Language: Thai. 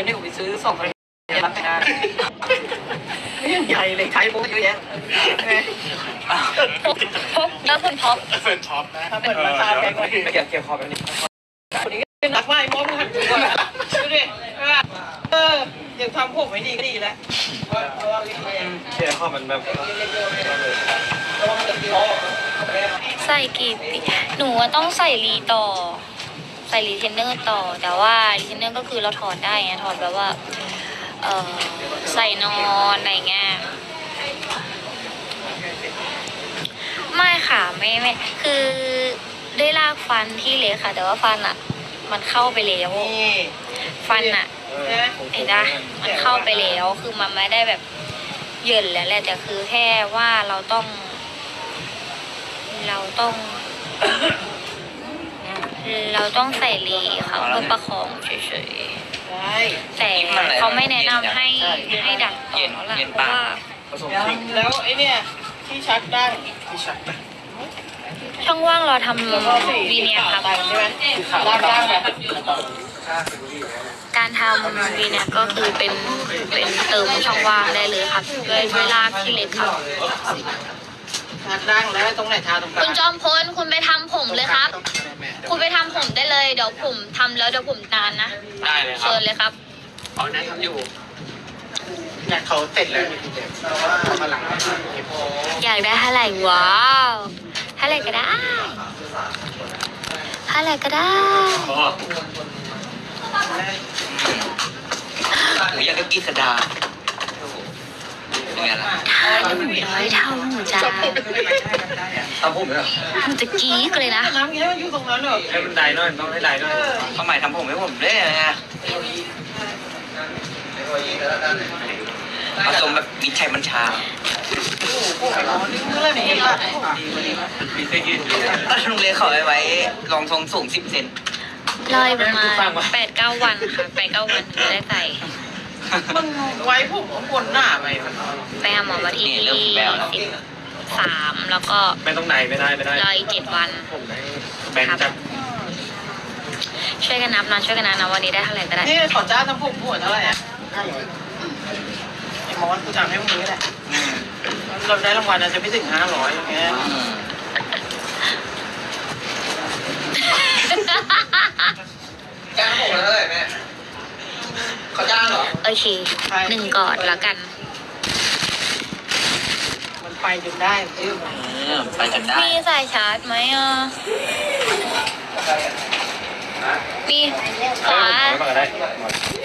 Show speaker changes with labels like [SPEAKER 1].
[SPEAKER 1] นี่ผมไปซื้อ2,000รับงานนี่ใหญ่เลยใช้ปุ๊บเยอะแยะ
[SPEAKER 2] แล้วคุณท็อป
[SPEAKER 3] เฟิร์นช็อปนะ
[SPEAKER 1] ถ้าเปิดราคาแพงกว่าไม่เกี่ยวคอแบบนี้คนนี้เป็นนักว่าไอ้มอสมันดูดิยังทำพวกไม่ดีก็ดีแล้วเชื่อข้อมันแบบ
[SPEAKER 2] ใส่กี่ปีหนูต้องใส่รีต่อ ใส่รีเทนเนอร์ต่อ แต่ว่ารีเทนเนอร์ก็คือเราถอดได้ไงถอดแบบว่าใส่นอนอะไรเงี้ยไม่ค่ะไม่คือได้ลากฟันที่เล็กค่ะ แต่ว่าฟันอ่ะมันเข้าไปแล้วฟันอ่ะเห็นไหมมันเข้าไปแล้วคือมันไม่ได้แบบเยินแล้วแหละแต่คือแค่ว่าเราต้องใส่รีค่ะเพื่อประคองเฉยๆแต่เขาไม่แนะนำให้ดัดต่อแล้วล่ะเพราะว่า
[SPEAKER 1] แล้วไอ้เนี่ยที่ชักได้ที่ชัก
[SPEAKER 2] ช่องว่างเราทำวีเนียครับ
[SPEAKER 1] ใช่ไหมล่างแบบ
[SPEAKER 2] การทำวีเนียก็คือเป็นเติมช่องว่างได้เลยครับด้วยลากที่เล็กครับ
[SPEAKER 1] ชักด่างแล้วตรงไหนทาตรงกลาง
[SPEAKER 2] คุณจอมพลคุณไปทำผมเลยครับ คุณไปทำผมได้เลยเดี๋ยวผมทำแล้วเดี๋ยวผมนานนะได้เลยครับเชิญเลยครับ
[SPEAKER 3] เอาแนะทำอยู่เนี่ยเขาเสร็จแล้วนี่คุณเจมส์มาหลัง
[SPEAKER 2] อยากได้เท่าไหร่ว้าวเท่าไหร่ก็ได้เท่าไหร่ก็ได้
[SPEAKER 4] หนูอยากได้กีสดาเป็นไงล่ะ
[SPEAKER 2] ถ้า100เท่าหนูจะ
[SPEAKER 4] ทำผมเหรอ
[SPEAKER 2] หนูจะกรี๊ดเลยนะ
[SPEAKER 1] น้ำเงี้ยมันอยู่ตรงนั้นเหรอ
[SPEAKER 4] ให้มันได้หน่อยต้องให้ได้หน่อยทำไมทำผมให้ผมได้ไงผสมแบบมิตรชัยบัญชาโรงเรียนเขาไว้รองทรงสูง10 เซน
[SPEAKER 2] รอยประมาณ8-9 วันค่ะ8-9 วันถึงได้ใส่
[SPEAKER 1] มันไว้ผมข้างบนหน้าไป
[SPEAKER 2] ไปหาหมอวันที่13แล้วก็
[SPEAKER 3] ไม่ต้องไหนไม่ได้
[SPEAKER 2] รออีก7 วัน
[SPEAKER 3] ผมแบนจัด
[SPEAKER 2] ช่วยกันนับนะช่วยกันนับนะวันนี้ได้เท่าไหร่ก็ได้
[SPEAKER 1] นี่ขอจ้าทำผมหัวเท่าไหร่อ่ะไอ้มอสกูจำให้มึงนี้แหละเราได้รางวัลจะไม่ถึง500อย่างเงี้ย
[SPEAKER 4] จ้างผมแล้วเลยแม่เขาจ้างเหรอ
[SPEAKER 2] โอเค1 ก่อนแล้วกัน
[SPEAKER 1] มันไปจนได้ชื่อ
[SPEAKER 4] ไปกันได้
[SPEAKER 2] มีสายชาร์จไหมอ่ะมีขวา